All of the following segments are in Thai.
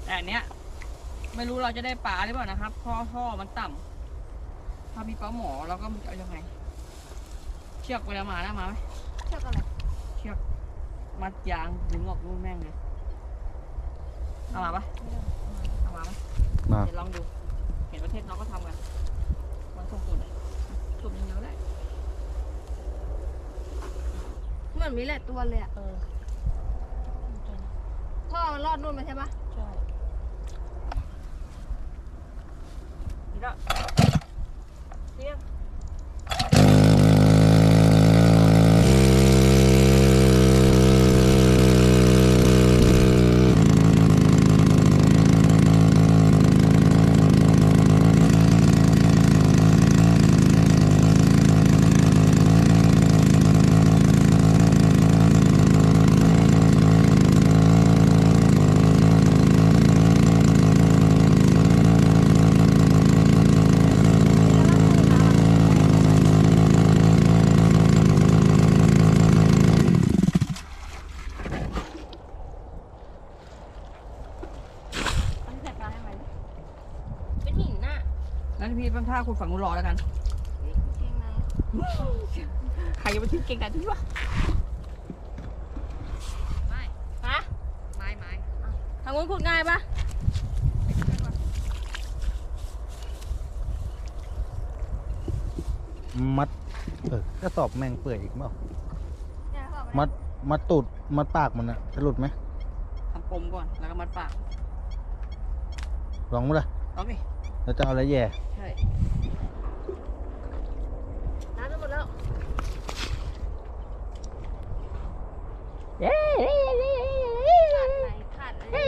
แต่อันเนี้ยไม่รู้เราจะได้ปลาหรือเปล่านะครับท่อมันต่ำถ้ามีปลาหมอเราก็จะเอายังไงเชือกเวลามานะมาไหมเชือกอะไรเชือกมัดยางดึงออกนู่นแม่งเลยเอามาปะเอามาปะมาเดี๋ยวลองดูเห็นประเทศน้องก็ทำกันมันส่งตุ่นตุ่นยังเยอะได้เหมือนมีแหละตัวเลยอ่ะท่อมันรอดนู่นมาใช่ปะใช่นี่ละเที่ยงเป็นหินน่ะงั้นพี่เป็นท่าคุณฝั่งนู้นรอแล้วกันเชียงในใครจะไปทิ้งเก่งกันที่วะไม่ฮะไม้ทางนู้นขุดง่ายปะมัดกระสอบแมงเปื่อยอีกเปล่าเนี่ยเขาบอกมัดตูดมัดปากมันอะจะหลุดไหมทำปมก่อนแล้วก็มัดปากลองมั้ยล่ะเอาดิแล้วจะเอาอะไรแย่ใช่น้ำจะหมดแล้ว ขาดไหน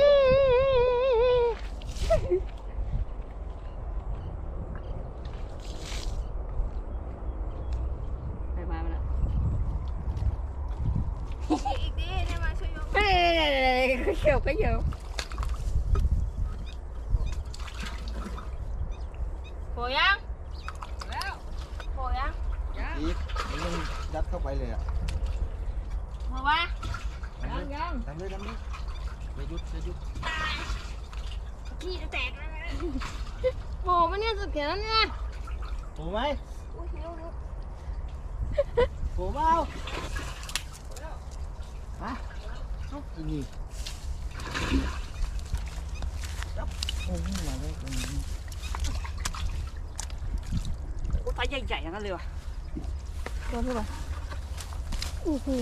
ไปมามันละอีกดิเนี่ยมาช่วยยกเฮ้ยเขียวก็เขียวโผล่ยังแล้วโผล่ยังยังอีกมันยังยัดเข้าไปเลยอะโผล่วะยังทำเลยไม่หยุดพี่จะแตกแล้วนะโผล่มาเนี่ยสุดเขียนแล้วเนี่ยโผล่ไหมอุ้ยเร็วโผล่เปล่าฮะอีนี่จับโอ้ยมาเลยโอ้ยไฟใหญ่ๆอย่างนั้นเลยว่ะโดนพี่ป่ะอู้หู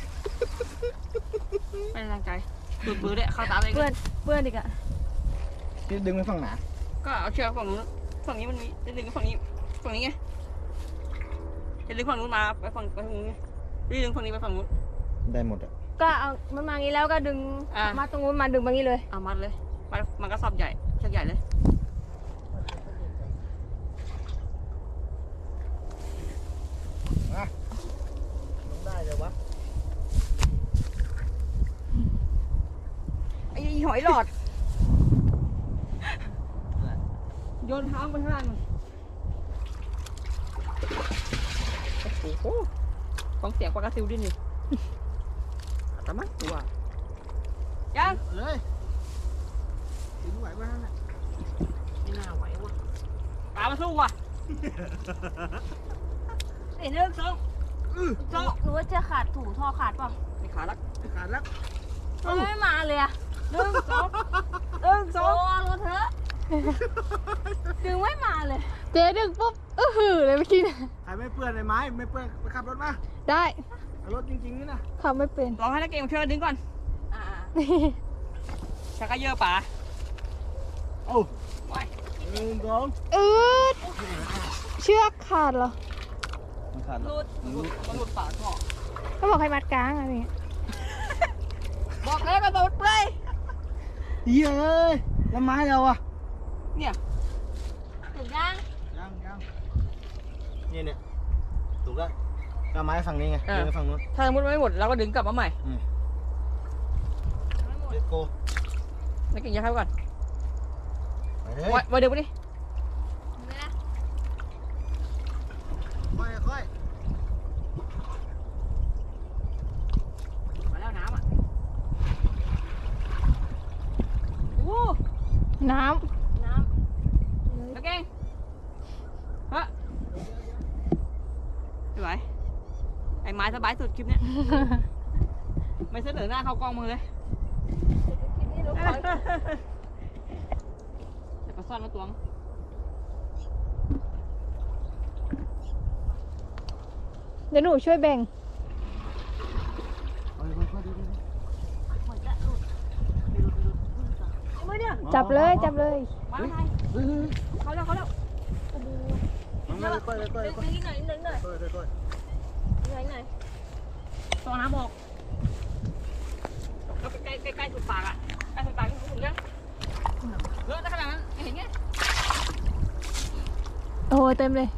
ไม่ได้ตั้งใจปืนๆเลยเข้าตาเลยเปื้อนอีกอะพี่ดึงไปฝั่งไหนก็เอาเชือกฝั่งนู้นฝั่งนี้มันมีจะดึงฝั่งนี้ไงจะดึงฝั่งนู้นมาไปฝั่งนู้นไงดึงฝั่งนี้ไปฝั่งนู้นได้หมดอะก็เอามันมางี้แล้วก็ดึงอ่ะมาตรงนู้นมาดึงมางี้เลยเอามัดเลยมันก็สอบใหญ่เชือกใหญ่เลยได้เลยวะไอ้หอยหลอดโยนเท้าไปข้างล่างมันโอ้โหฟังเสียงปลากระซิวดินี่แต่มันตัวยังเลยถึงไหวบ้างนะไม่น่าไหววะปลามาสู้ว่ะไอ้เรื่องสองหรือว่าจะขาดถูท่อขาดเปล่าไม่ขาดละขาดแล้วทำไมไม่มาเลยอะหนึ่งสองโอ้รถเถอะดึงไม่มาเลยเจ๊ดึงปุ๊บหือเลยเมื่อกี้นะใครไม่เปื้อนเลยไม้ไม่เปื้อนไปขับรถมาได้เอารถจริงๆนี่นะขับไม่เป็นลองให้นักเกมช่วยดึงก่อนอ่าชักกระเยอะป่าโอ้ไปหนึ่งสองอืดเชือกขาดเหรอมันขาดหลุดปากท่อก็บอกให้มัดกลางอะไรเงี้ยบอกแล้วกระโดดไปเย้ยแล้วไม้เราอะเนี่ยถึงยังยังเนี่ยถูกแล้วก็ไม้ฝั่งนี้ไงดึงไปฝั่งนู้นถ้าสมมติไม่หมดเราก็ดึงกลับมาใหม่เด็ดโกนักเก่งยัดเข้าก่อนไปเลยไว้เดี๋ยวไปดิถึงไหมนะค่อยมาแล้วน้ำอ่ะโอ้น้น้แล้วเก่งฮะสวยไอ้ไม้สบายสุดคลิปเนี้ย ไม่เสนอหน้าเข้ากล้องมือเลยำคลิปนี้ลงก่อนแต่ปลาซ่อนมาตวงำเดี๋ยวหนูช่วยแบ่งไม่เนี่ยจับเลยจับเลยมาไงเขาแล้วโอ้โหมาค่อยๆค่อยๆค่อยนิดหน่อยนิดหน่อยๆค่อยๆค่อยหน่อยหน่อยตองน้ำออกแล้วใกล้สุดปากอ่ะใกล้สุดปากถึงยังเลอะได้ขนาดนั้นไม่เห็นไงโอ้โหเต็มเลย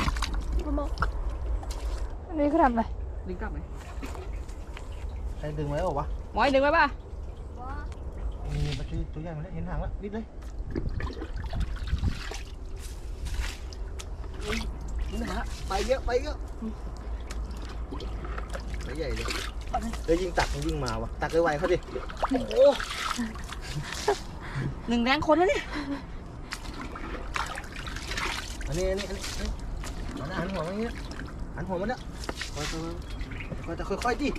อันนี้เขาทำอะไรดึงกลับไหมๆใครดึงไว้ออกวะหมอยดึงไว้ป่ะว้ามีปลาตัวใหญ่มาแล้วเห็นหางแล้วนิดเลยนี่นะฮะไปเยอะไปเยอะไปใหญ่เลยเอ้ยยิงตักมันยิงมาวะตักไวๆเขาดิโอ้โหหนึ่งแรงคนแล้วเนี่ยอันนี้หันหัวมันอย่างเงี้ยหันหัวมันเนี่ยค่อยๆดิ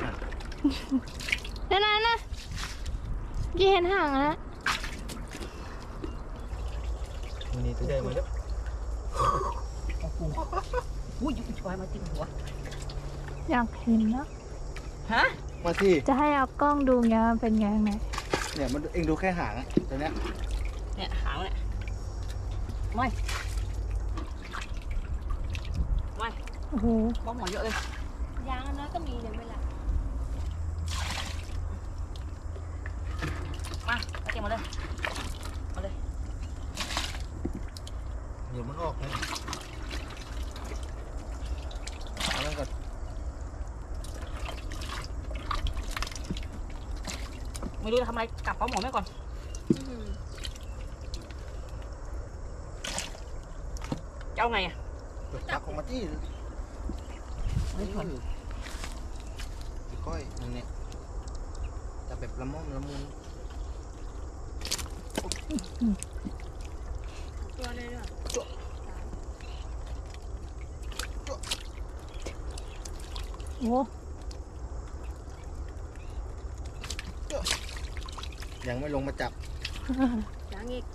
นั่นยี่เห็นห่างอะนะนี่ตัวใหญ่มาแล้วอุ้ยยุ่งชอยมาจริงหัวอยากเห็นนะฮะมาที่จะให้เอากล้องดูไงมันเป็นไงข้างในเนี่ยมันเองดูแค่หางอะตัวเนี้ยเนี่ยหางเนี่ยไม่โอ้โหป้อมหมอเยอะเลยยางอันนั้นก็มีเลยเวลามาเก็บมาเลยมาเลยเดี๋ยวมันออกนะเอาแล้วก่อนไม่รู้จะทำอะไรกลับป้อมหมอแม่ก่อนจะเอาไงอ่ะตักออกมาที่ค่อยนั่นเนี่ยจะแบบละม่อมละมุนตัวเลยอ่ะโอ้โหยังไม่ลงมาจับยางอีก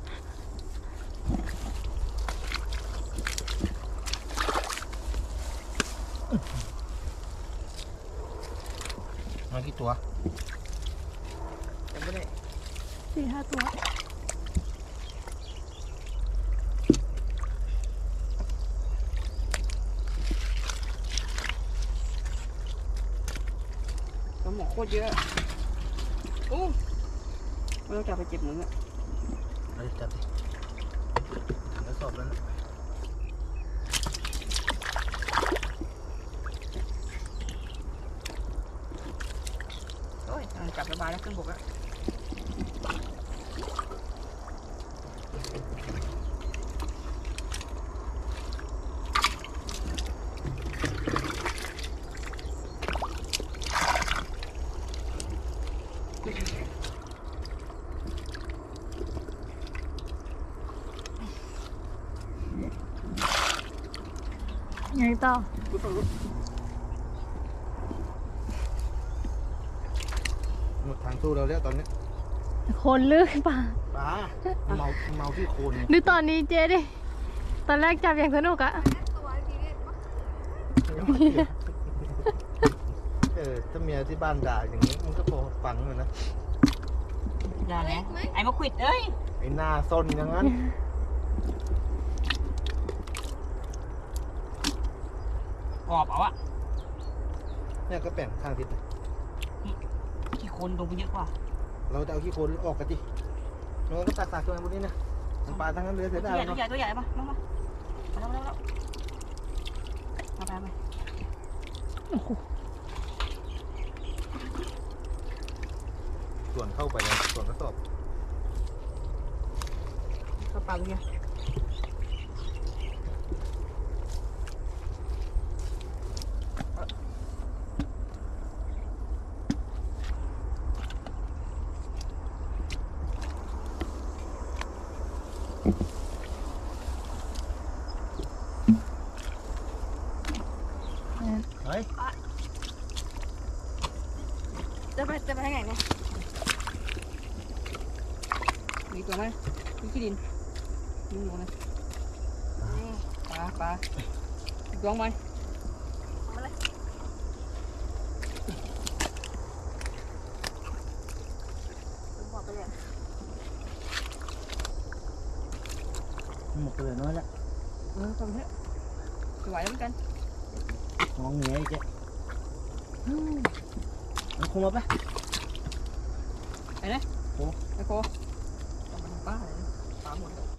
มากี่ตัวจำไม่ได้ 4-5 ตัวป้อมหมอโคตรเยอะโอ้ไม่ต้องจับไปเจ็บมืออ่ะเราจับดิแล้วสอบแล้วนะโอ้ยจับสบายแล้วขึ้นบกแล้วไงต่อหมดทางสู้เราแล้วตอนนี้คนลึกป่ะปลาเมาที่โคนดูตอนนี้เจ๊ดิ ตอนแรกจับอย่างสนุกอะถ้าเมียที่บ้านด่าอย่างนี้มันก็พอฟังเลยนะอย่าแหละไอ้มาควิดเอ้ยไอ้หน้าซนอย่างนั้นกรอบเอาอะเนี่ยก็แป่งข้างทิศขี้คนลงไปเยอะกว่าเราจะเอาขี้โคลนออกกันดิมันก็ตักตัวบนนี้นะมันปลาทั้งนั้นเลยเสียดายตัวใหญ่ตัวใหญ่มาแล้วมาไปโอ้โหส่วนเข้าไปเลยส่วนกระสอบเข้าปากเลยเฮ้ยจะไปทางไหนเนี่ยมีตัวไหมมีขี้ดินมีหนูนะปลาอีกตัวไหมมาเลยบอกไปเลยหมดไปเลยน้อยละทำเถอะไหวเหมือนกันมองเหนียวอีกเจ๊มันคงมาปะไอ้เนี่ยโคเอามาทำป้าเลยปลาหมดแล้ว